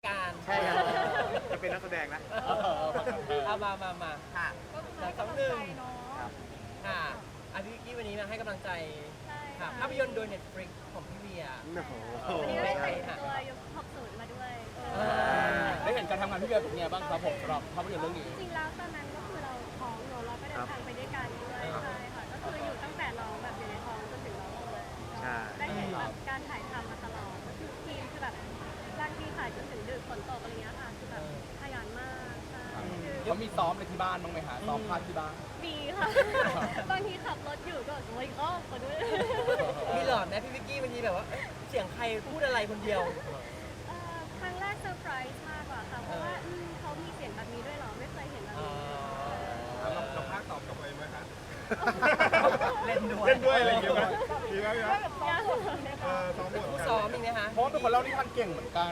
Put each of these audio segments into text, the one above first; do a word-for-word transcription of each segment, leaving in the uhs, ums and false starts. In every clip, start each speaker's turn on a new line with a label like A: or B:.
A: การ
B: ใช่ครับจะเป็นนักแสดงนะ
A: เอามามามา
C: ค่ะ
D: ก็คือให้กำลังใจเนาะ
A: ค่ะอาพี่กี้วันนี้มาให้กำลังใจ
D: ใช่
A: ค่ะ
D: ค่ะ
A: ภาพยนตร์โดย Netflix ของพี่เวีย
B: โอ้โห
D: วันนี้ก็ได้แต่งตัวยุคหกสิบมาด้วย
A: เออ
E: ได้เห็นการทำงานพี่เบียร์เป็นไงบ้างครับผมสำหรับภาพยนตร์เรื่องนี้
D: จริงๆแล้วตอนนั้นก็คือเราท้องเนอะเราก็เดินทางไปด้วยกันด้วยใช่ค่ะก็คืออยู่ตั้งแต่น้องแบบอยู่ในท้องจนถึงน้องโตเลยได้เห็นแบบการถ่ายทำมาตลอดก็คือทีมคือแบบบางทีถ่ายจนถึงดึกฝนตกอะไรเงี้ยค่ะคือแบบขยันมากใช่คือ
E: เขามีซ้อมในที่บ้านบ้างไหมคะซ้อมพาดที่บ้าน
D: มีค่ะ บางทีขับรถอยู่ก็โอ้ยก็ขอด้วย
A: มีหลอดไหมพี่วิกกี้วันนี้แบบว่าเอ๊ะเสียงใครพูดอะไรคนเดียว
D: เอ่อครั้งแรกเซอร์ไพรส์มากกว่าค่ะ เพราะว่าอืมเขามีเสียงแบบนี้ด้วยเหรอ ไม่เคยเห็นแบบนี้
B: เราเราพากตอบกลับไปไหมคะ
C: เล่นด้วย
B: เล่นด้วยอะไรอย่างเงี้ยไหมดีไหมครับ
D: ยาก
B: เออซ้อมบท
A: ผู้
B: กัน
A: ซ้อมมีไหมคะ
E: เพราะว่าเป็นคนเล่านิทานเก่งเหมือนกัน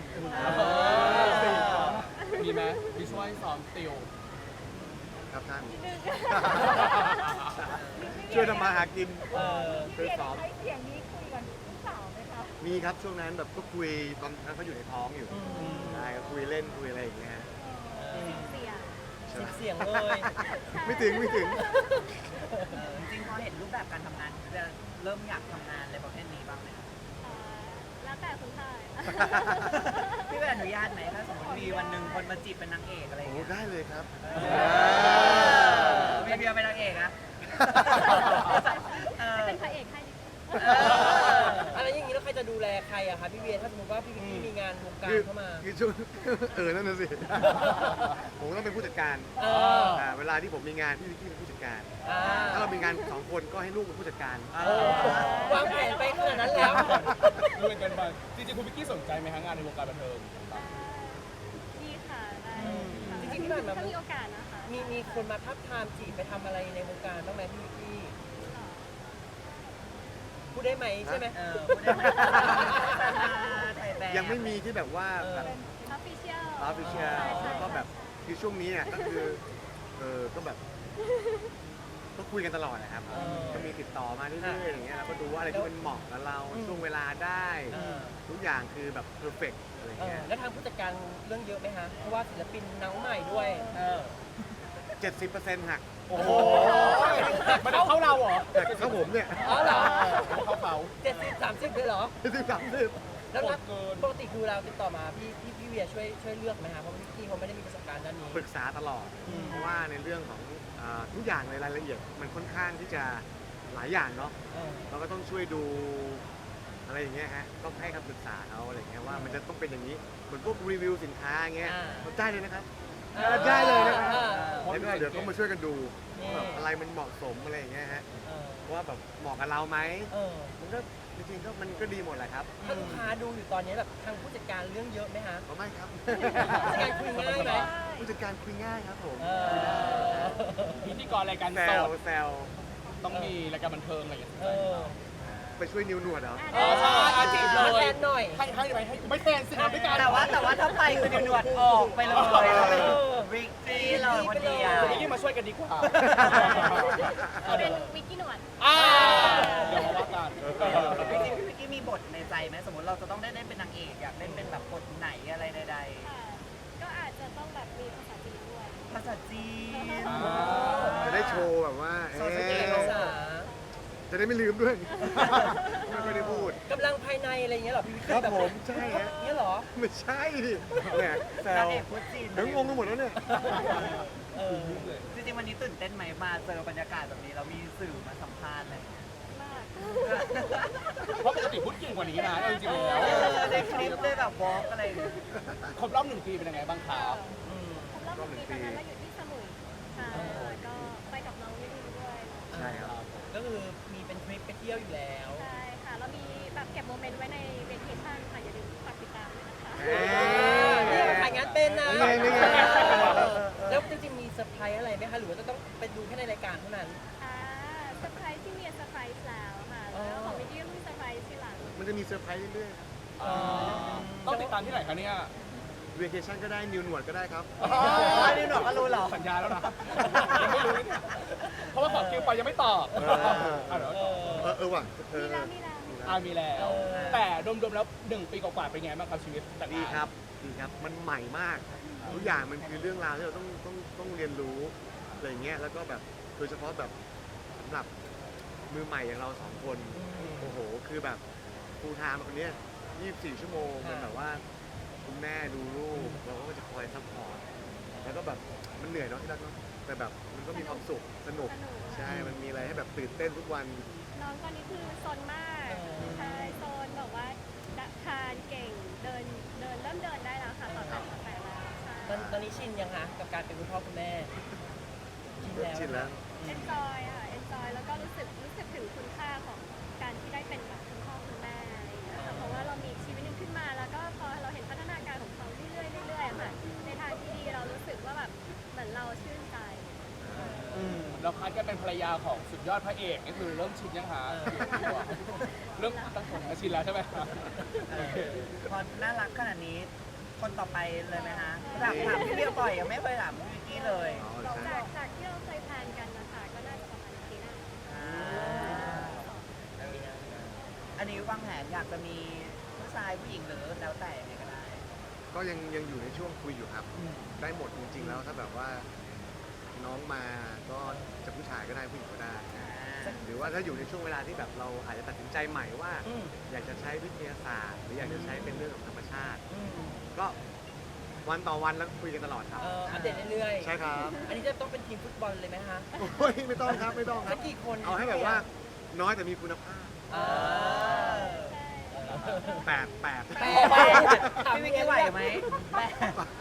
E: มีไหมมีช่วยซ้อมติว
B: ครับท่าน
D: นิดนึง
B: ช่วยทำมาหากิน
A: เออ
B: ช่วยซ้อม
D: ใช้เสียงนี้คุยกับลูกสาวไหมคะ
B: มีครับช่วงนั้นแบบก็คุยตอนนั้นเขาอยู่ในท้องอยู่ใช่ก็คุยเล่นคุยอะไรอย่างเงี้ยฮะ
D: เสียง
B: ใช่ไหม
A: เสียงเลย
B: ไม่ถึงไม่ถึง
C: เออจริงๆพอเห็นรูปแบบการทำงานจะเริ่มอยากทำงานอะไรประเภทนี้บ้างไหมคะ
D: เอ่อแล้วแต่คุณชาย
C: พี่เป็นอนุญาตไหมถ้าสมมติมีวันหนึ่งคนมาจีบเป็นนางเอกอะไรอย่าง
B: โอ้
C: เงี้ย
B: ได้เลยครับ
C: พี่เบียร์เป็นนางเอกนะเออ
D: เป็นพระเอกให้ดิ
C: เออ
A: อะไรอย่างนี้แล้วใครจะดูแลใครอะคะพี่เวียถ้าสมมติว่าพี่วิกกี้มีงานวงการ
B: คือ
A: เข้ามา
B: คือช่วง เออนั่นน่ะสิ ผมต้องเป็นผู้จัดการ
A: เออ
B: อ่าเวลาที่ผมมีงานพี่วิกกี้เป็นผู้จัดการ
A: อ่า
B: ถ้าเรามีงานสองคนก็ให้ลูกเป็นผู้จัดการ
A: โอ้วางแผนไปขนาดนั้นแล้ว
E: ดูเป็นกันไปจริงๆคุณพิกกี้สนใจไหมฮะงานในวงการบันเทิง
D: ดีค่ะได้
A: จริงๆที่ผ่านมา
D: ถ้ามีโอกาสนะคะ
A: มีมีคนมาทับทามจีบไปทำอะไรในวงการบ้างไหมพี่วิกกี้พูดได้ไหมใช่ไหม
C: เออพูดได้ไหมถ่ายแบบ
B: ยังไม่มีที่แบบว่าแบบ
D: เป็นออฟฟิเชียล
B: ออฟฟิเชียลแล้วก็แบบคือช่วงนี้เนี่ยก็คือเออก็แบบก็คุยกันตลอดนะครับ
A: เออ
B: ก็มีติดต่อมาเรื่อยๆอย่างเงี้ยเราก็ดูว่าอะไรที่มันเหมาะกับเรา
A: อืม
B: ช่วงเวลาได้
A: เออ
B: ทุกอย่างคือแบบเพอร์เฟกอะไร
A: เอ
B: เงี้
A: อย แล้วทางผู้จัดการเรื่องเยอะไหมฮะเพราะว่าศิลปินน้องใหม่ด้วยเออ
B: เจ็ดสิบเปอร์เซ็นต์หัก
E: โอ้โหมันเอาเข้าเราเหรอ
B: แต่เข้าผมเนี่ย
A: อ๋อเหรอ
E: เข้าเขา
A: เจ็ดสิบสามสิบเลยเหรอ
B: เจ็ดสิบสามสิบ
A: แล้วนัด
E: โหดเกิน
A: ปกติคือเราติดต่อมาพี่พี่พี่เวียช่วยช่วยเลือกไหมฮะเพราะพี่กี้เขาไม่ได้มีประสบการณ์ด้านนี้
B: ปรึกษาตลอด
A: อืม
B: เพราะว่าในเรื่องของอ่าทุกอย่างในรายละเอียดมันค่อนข้างที่จะหลายอย่างเนาะ
A: เออ
B: เราก็ต้องช่วยดูอะไรอย่างเงี้ยฮะต้องให้คำปรึกษาเขาอะไรอย่างเงี้ยว่ามันจะต้องเป็นอย่างนี้เหมือนพวกรีวิวสินค้าอย่างเงี้ยเราได้เลยนะครับ
A: อ่า
B: ได้เลยนะครับ
A: อ่า
B: แล้วก็เดี๋ยวต้องมาช่วยกันดู
A: นี่
B: ว่าแบบอะไรมันเหมาะสมอะไรอย่างเงี้ยฮะ
A: เออ
B: ว่าแบบเหมาะกับเราไหม
A: เออ
B: มันก็จริงๆก็มันก็ดีหมดแหละครับ
A: ถ้าลูกค้าดูอยู่ตอนนี้แบบทางผู้จัดการเรื่องเยอะไหมฮะ
B: เอาไม่ครับ
A: ผู้จัดการคุยง่ายไหม
B: ผู้จัดการคุยง่ายครับผม
A: เออ
E: พิธีกรรายการ
B: แซ
E: ส
B: ว
E: ด
B: แซว
E: ต้องมีรายการบันเทิงอะไรอย่างเงี้ย
A: เออ
B: ไปช่วยนิวหนวดเหรอ
E: เออใช่อาจีบเล
A: มาย แทนหน่อย
E: ให้ให้ไปให้ไม่แทนสิครับด้วยกัน
C: แต่ว่าแต่ว่าถ้าไปคือนิวหนวดออกไปเลยริกกี้เลยคนเดียว
E: คุณพิกกี้มาช่วยกันดีกว่า
D: เป็นวิกกี้หนวด
E: อ่าเดี๋ยวมาว่ากัน
C: จริงๆพี่วิกกี้มีบทในใจไหมสมมติเราจะต้องได้เล่นเป็นนางเอกอยากเล่นเป็นแบบบทไหนอะไรใด
D: ค่ะ ก็อาจจะต้องแบบมีภาษาจีนด้วย
C: ๆภาษาจีน
B: จะได้โชว์แบบว่า
C: โชว์สกิล
B: เอ๊ะ
A: ภาษา
B: จะได้ไม่ลืมด้วย ไม่ได้พูด
A: กำลังภายในอะไรอย่างเงี้ยเหรอพี่วิก
B: ค
A: กี้
B: รับ
A: แบบ
B: ผมใช่ฮะ
A: เงี้ยเหรอ
B: ไม่ใช่ดิเนี่ยแซ
C: นาว งเอกพูดจีน
B: เดี๋ยวงงกันหมดแล้วเนี่ย
A: เออ
C: จริงๆวันนี้ตื่นเต้นไหมมาเจอบรรยากาศแบบนี้เรามีสื่อมาสัมภาษณ์เลย
D: มาก
E: เพราะปกติพูดเก่งกว่านี้นะเอาจริงๆแล้ว
C: เออในคลิปด้วยแบบวอล์กอะไรอย่างเงี้ย
E: ครบรอบหนึ่งปีเป็นยังไงบ้างครับ
A: อืม
D: ผมรอบหนึ่งปีตอนนั้นเราอยู่ที่สมุยค่ะก็ไปกับน้องวิดีด้วย
B: ใช่ครับ
A: ก็คือมีเป็นทริปไปเที่ยวอยู่แล้ว
D: ใช่ค่ะ เรามีแบบเก็บโมเมนต์ไว้ในเวทีชั่นค่ะ อย่าลืมฝากติดตามด้วยนะคะ
B: เอ๊ะ
A: นี่ถ่ายงานเป็นนะ
B: นี่ไงนี่ไง
A: แล้วจริงๆมีเซอร์ไพรส์อะไรไหมคะ หรือว่าจะต้องไปดูแค่ในรายการเท่านั้น
D: อ่าเซอร์ไพรส์ที่มีเซอร์ไพรส์แล้วค่ะ แล้วของวิดีก็มีเซอร์ไพรส์ทีหลัง
B: มันจะมีเซอร์ไพรส์เรื่อยๆครับ
E: ต้องติดตามที่ไหนคะเนี่ย
B: เวเคชั่นก็ได้นิวหนวดก็ได้ครับ
C: อ๋อนี่หนวดก็รู้เหรอ
E: สัญญาแล้วนะยังไม่รู้เนี่ยเพราะว่าขอคิวไปยังไม่ตอบ
B: เออ
E: อ่ะเดี๋ยว
A: เออ
B: เออเออว่ะเอ
D: มี
B: อ
D: แล้วมีแล้วมี
E: อ่ามีแล้ว
A: เออ
E: แต่รวมๆแล้วหนึ่งปีกว่าๆเป็นไงบ้างครับชีวิตแต่งงาน
B: ดีครับดีครับมันใหม่มากทุกอย่างมันคือเรื่องราวที่เราต้องต้องต้องเรียนรู้อะไรเงี้ยแล้วก็แบบโดยเฉพาะแบบสำหรับมือใหม่อย่างเราสองคนโอ้โหคือแบบฟูลไทม์คนเนี้ยยี่สิบสี่ชั่วโมงเป็นแบบว่าคุณแม่ดูลูกเราก็จะคอยซัพพอร์ตแล้วก็แบบมันเหนื่อยเนาะที่รักเนาะแต่แบบมันก็มีความสุขสนุก
D: สนุก
B: ใช่มันมีอะไรให้แบบตื่นเต้นทุกวัน
D: น้องตอนนี้คือซนมากใช่ซนแบบว่าทานเก่งเดินเดินเริ่มเดินได้แล้วค่ะต่อแต่ต่อแต่แล้วใช่
A: ตอนตอนนี้ชินยังคะกับการเป็นคุณพ่อคุณแม่ชินแล้ว
B: ชินแล้ว
D: เอนจอยค่ะเอนจอยแล้วก็รู้สึกรู้สึกถึงคุณค่าของการที่ได้เป็นแบบคุณพ่อคุณแม่อะไรอย่างเงี้ยค่ะเพราะว่าเรามีชีวิตหนึงขึ้นมาแล้วก็พอเราเห็นพัฒนาการของเขาเรื่อยๆเรื่อยๆอะค่ะในทางที่ดีเรารู้สึกว่าแบบเหมือนเราชื่นใจ
E: อืมแล้วพัดก็เป็นภรรยาของสุดยอดพระเอกนี่คือเริ่มชินยังคะเริ่มตั้งแต่ชินแล้วใช่ไหมคะ
C: เออพอน่ารักขนาดนี้ คนต่อไปเลยไหมคะถามถามพี่เบียร์บ่อยยังไม่เคยถามพี่วิกกี้เลย
B: อ๋อ
D: จาก
B: ใช่
D: จากที่เราเคยแพลนกันนะคะก็น่าจะประมาณปีหน้า
C: อ่าอันนี้วางแผนอยากจะมีผู้ชายผู้หญิงหรือแล้วแต่ยังไงก็ได้
B: ก็ยังยังอยู่ในช่วงคุยอยู่ครับ ได้หมดจริงๆแล้วถ้าแบบว่าน้องมาก็จะผู้ชายก็ได้ผู้หญิงก็ได้นะหรือว่าถ้าอยู่ในช่วงเวลาที่แบบเราอาจจะตัดสินใจใหม่ว่า
A: อืม
B: อยากจะใช้วิทยาศาสตร์ หรืออยากจะใช้เป็นเรื่องของธรรมชาติ
A: อืม
B: ก็วันต่อวันแล้วคุยกันตลอดครับ
A: เอออัปเดตเรื่อยๆ
B: ใช่ครับ
A: อันนี้จะต้องเป็นทีมฟุตบอลเลยไหมคะ
B: โอ้ยไม่ต้องครับไม่ต้องค
A: สั
B: รั
A: ก
B: บ
A: กี่คน
B: เอาให้แบบว่าน้อยแต่มีคุณภาพ
A: อ่า
D: ใช่
B: แปดแปด
A: แปด
C: พี่วิกกี้ไหวไหมแม่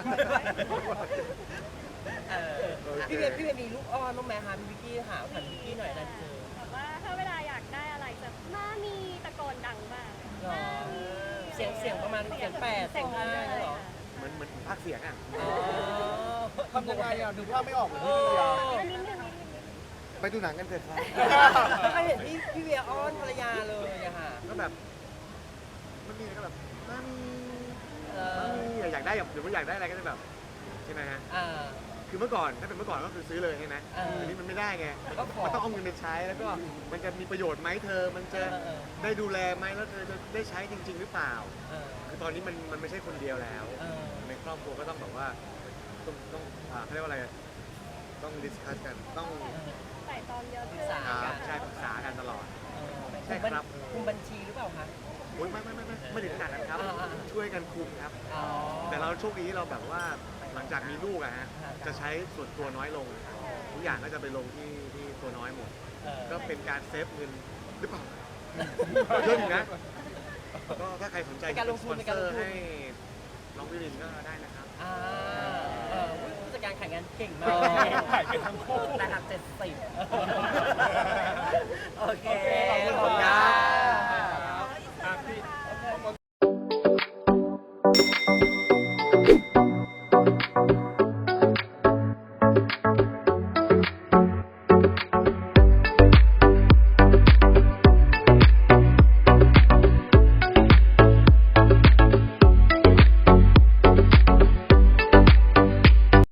C: เออ
A: พี่เวียพี่เวียมีลูกอ้อนบ้างไหมคะพี่วิกกี้หาผ่านพี่วิกกี้หน่อยนะเจอ
D: แบบว่าถ้าเวลาอยากได้อะไรจะมามีตะโกนดังมาก
A: หรอ
D: มามี
A: เสียงเสียงประมาณเสียงแปดเสียงห้าเหรอ
B: เหมือนเหมือนภาคเสียงอ่ะ
A: อ๋อ
E: ทำยังไงอ่ะนึกภาพไม่ออกเลยพี่เบียร์
D: นิดนึงนิดนึงนิดนึง
B: ไปดูหนังกันเถอะครับ
A: ไม่เคยเห็นพี่พี่เวียอ้อนภรรยาเลยอะค่ะ
B: ก็แบบมันมีอะไรก็แบบมามี
A: เอ
B: มา
A: อ
B: มีอยากได้แบบหรือว่าอยากได้อะไรก็จะแบบใช่ไหมฮะ
A: อ่า
B: คือเมื่อก่อนถ้าเป็นเมื่อก่อนก็คือซื้อเลยใช่ไหม
A: เอออั
B: อันนี้มันไม่ได้ไง
A: ก็ขอ
B: มันต้องเอาเงินไปใช้แล้วก็มันจะมีประโยชน์ไหมเธอ มันจะ
A: เออเออ
B: ได้ดูแลไหมแล้วเธอจะได้ใช้จริง ๆ หรือเปล่า
A: เออ
B: คือตอนนี้มันมันไม่ใช่คนเดียวแล้ว
A: เออ
B: ในครอบครัวก็ต้องแบบว่าต้องต้องอ่าเขาเรียกว่าอะไรต้องดิสคัสกันต้อง
D: ใส่ตองเยอะขึ้น
A: ปรึกษา
B: อ่า
A: กัน
B: ใช่ปรึกษากันตลอด
A: เออ
B: ใช่ครับ
A: คุมบัญชีหรือเปล่าคะ
B: โอ๊ยไม่ไม่ไม่ไม่ไม่ถึงขนาดนั้นครับ
A: อ่าอ่า
B: ช่วยกันคุมครับ
A: อ๋อ
B: แต่เราโชคดีที่เราแบบว่าหลังจากมีลูกอะฮะ
A: ครับ
B: จะใช้ส่วนตัวน้อยลง ทุกอย่างก็จะไปลงที่ที่ตัวน้อยหมด
A: เออ
B: ก็เป็นการเซฟเงินหรือเปล่าเยอะอยู่นะก็ถ้าใครสนใจ
A: เป็นการลงทุน
B: สปอ
A: เป็นการล
B: เซอง ร์
A: ทุน
B: ให้น้องวิรินก็ได้นะครับ
A: อ่าเออผู้จัดการขายงานเก่ง
E: เอ
A: มาก
E: อถ่ายเป็นทั้งคู่
C: นะครับเจ็ดสิบโอเค
A: โอเค